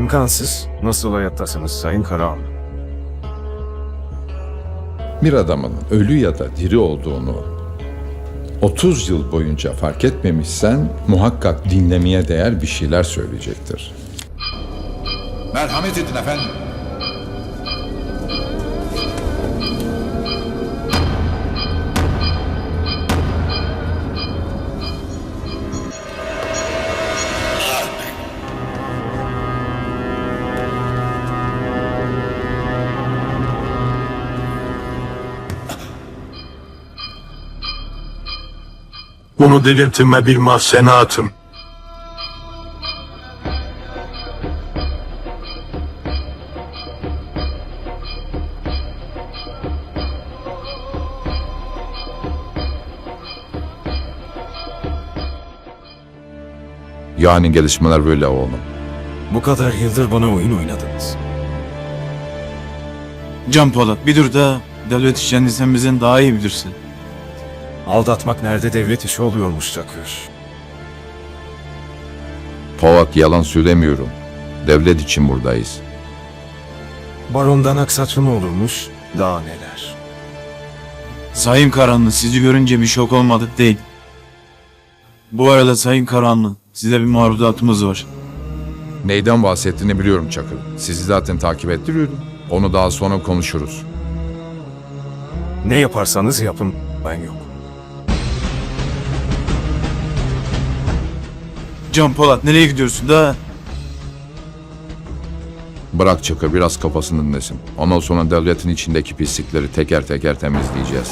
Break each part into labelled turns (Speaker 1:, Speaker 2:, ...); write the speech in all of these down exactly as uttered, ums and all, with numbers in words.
Speaker 1: İmkansız. Nasıl hayattasınız Sayın Karahan?
Speaker 2: Bir adamın ölü ya da diri olduğunu otuz yıl boyunca fark etmemişsen muhakkak dinlemeye değer bir şeyler söyleyecektir.
Speaker 3: Merhamet edin efendim.
Speaker 4: Bunu delirtime bir mahsenatım.
Speaker 2: Yani gelişmeler böyle oğlum.
Speaker 1: Bu kadar yıldır bana oyun oynadınız.
Speaker 5: Can Polat bir dur da devlet işlerini sen bizden daha iyi bilirsin.
Speaker 1: Aldatmak nerede devlet işi oluyormuş Çakır.
Speaker 2: Polat, yalan söylemiyorum. Devlet için buradayız.
Speaker 1: Barondan aksaçlı mı olurmuş? Daha neler.
Speaker 5: Sayın Karanlı sizi görünce bir şok olmadık değil. Bu arada Sayın Karanlı size bir marudatımız var.
Speaker 2: Neyden bahsettiğini biliyorum Çakır. Sizi zaten takip ettiriyordum. Onu daha sonra konuşuruz.
Speaker 1: Ne yaparsanız yapın, ben yok.
Speaker 5: Can Polat nereye gidiyorsun da?
Speaker 2: Bırak Çakır biraz kafasını dinlesin. Ondan sonra devletin içindeki pislikleri teker teker temizleyeceğiz.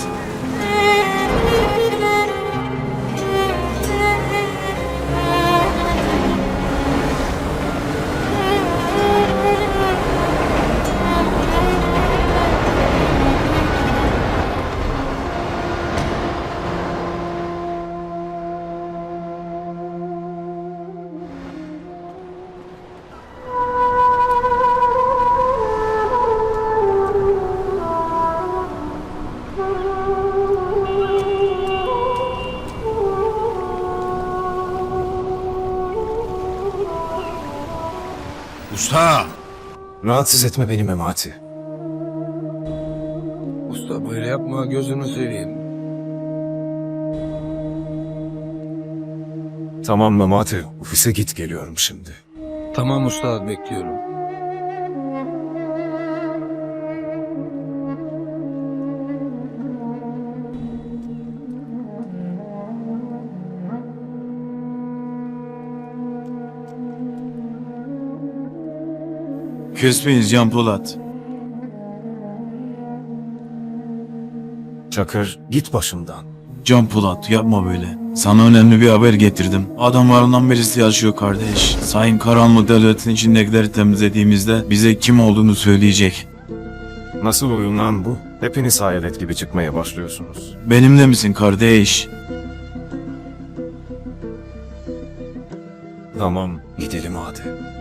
Speaker 3: Usta!
Speaker 1: Rahatsız etme beni Memati.
Speaker 6: Usta böyle yapma, gözünü seveyim.
Speaker 1: Tamam Memati, ofise git, geliyorum şimdi.
Speaker 6: Tamam usta, bekliyorum.
Speaker 5: Küsmeyiz Can Polat.
Speaker 1: Çakır, git başımdan.
Speaker 5: Can Polat yapma böyle. Sana önemli bir haber getirdim. Adamlarından birisi yaşıyor kardeş. Sayın Karanlı devletin içindekileri temizlediğimizde bize kim olduğunu söyleyecek.
Speaker 1: Nasıl oyun lan bu? Hepiniz hayalet gibi çıkmaya başlıyorsunuz.
Speaker 5: Benimle misin kardeş?
Speaker 1: Tamam, gidelim hadi.